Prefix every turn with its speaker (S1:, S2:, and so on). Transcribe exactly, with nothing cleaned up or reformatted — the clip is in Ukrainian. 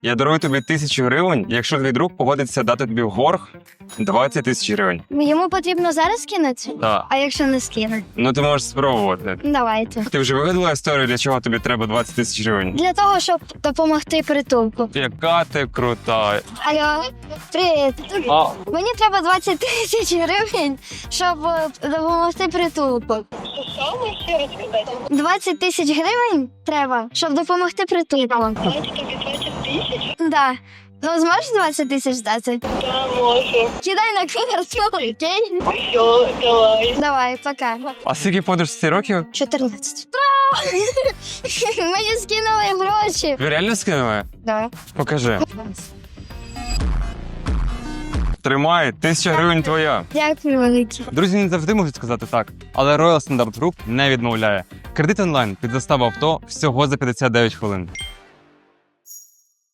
S1: Я дарую тобі тисячу гривень, якщо твій друг погодиться дати тобі в борг двадцять тисяч гривень.
S2: Йому потрібно зараз кинути?
S1: Так.
S2: А якщо не скинуть?
S1: Ну ти можеш спробувати.
S2: Давайте.
S1: Ти вже вигадала історію, для чого тобі треба двадцять тисяч гривень?
S2: Для того, щоб допомогти притулку.
S1: Яка ти крута.
S2: Алло, привіт.
S1: А,
S2: Мені треба двадцять тисяч гривень, щоб е, допомогти притулку. двадцять тисяч гривень треба, щоб допомогти притулку.
S3: Тобі двадцять тисяч?
S2: Да. Ну, зможеш двадцять тисяч дати?
S3: Да, можу.
S2: Кидай на карту, окей?
S3: Все, давай.
S2: Давай, пока.
S1: а скільки подружці років?
S2: чотирнадцять. Мені скинули гроші.
S1: Ви реально скинули?
S2: Да.
S1: Покажи. Тримай, тисяча гривень твоя.
S2: Дякую, велике.
S1: Друзі не завжди можуть сказати так, але Royal Standard Group не відмовляє. Кредит онлайн під заставу авто всього за п'ятдесят дев'ять хвилин.